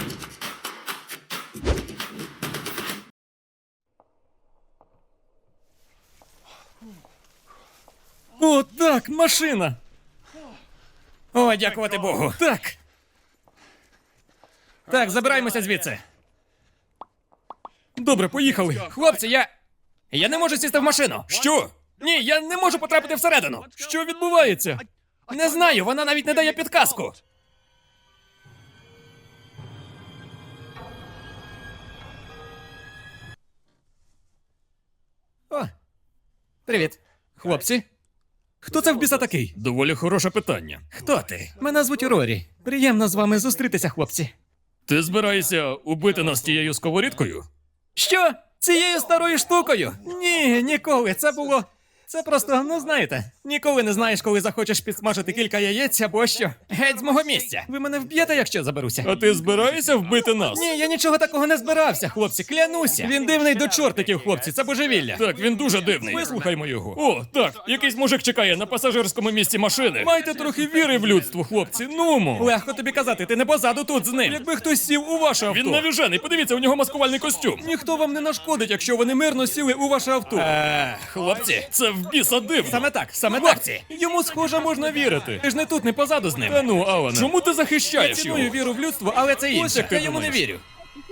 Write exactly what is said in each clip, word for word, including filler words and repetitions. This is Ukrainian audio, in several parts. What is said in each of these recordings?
О, так, машина! О, дякувати Богу. Так. Так, забираємося звідси. Добре, поїхали. Хлопці, я... Я не можу сісти в машину. Що? Ні, я не можу потрапити всередину. Що відбувається? Не знаю, вона навіть не дає підказку. О, привіт. Хлопці? Хто це в біса такий? Доволі хороше питання. Хто ти? Мене звуть Рорі. Приємно з вами зустрітися, хлопці. Ти збираєшся убити нас тією сковорідкою? Що? Цією старою штукою? Ні, ніколи. Це було... Це просто, ну знаєте, ніколи не знаєш, коли захочеш підсмажити кілька яєць або що. Геть з мого місця. Ви мене вб'єте, якщо заберуся. А ти збираєшся вбити нас? Ні, я нічого такого не збирався, хлопці, клянуся. Він дивний до чортиків, хлопці, це божевілля. Так, він дуже дивний. Вислухаймо його. О, так, якийсь мужик чекає на пасажирському місці машини. Майте трохи віри в людство, хлопці, нумо. Легко тобі казати, ти не позаду тут з ним. Якби хтось сів у ваше авто. Він навіжений, подивіться, у нього маскувальний костюм. Ніхто вам не нашкодить, якщо вони мирно сіли у ваше авто. Е, хлопці, це в біса дивно. Саме так, саме хлопці. Так. Йому, схоже, можна вірити. Ти ж не тут, не позаду з ним. Та ну, Алане. Чому ти захищаєш його? Я ціную віру в людство, але це інше. Ось як ти я йому не вірю.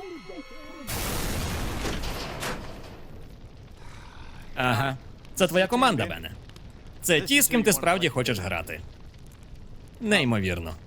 Ага. Це твоя команда, Бене. Це ті, з ким ти справді хочеш грати. Неймовірно.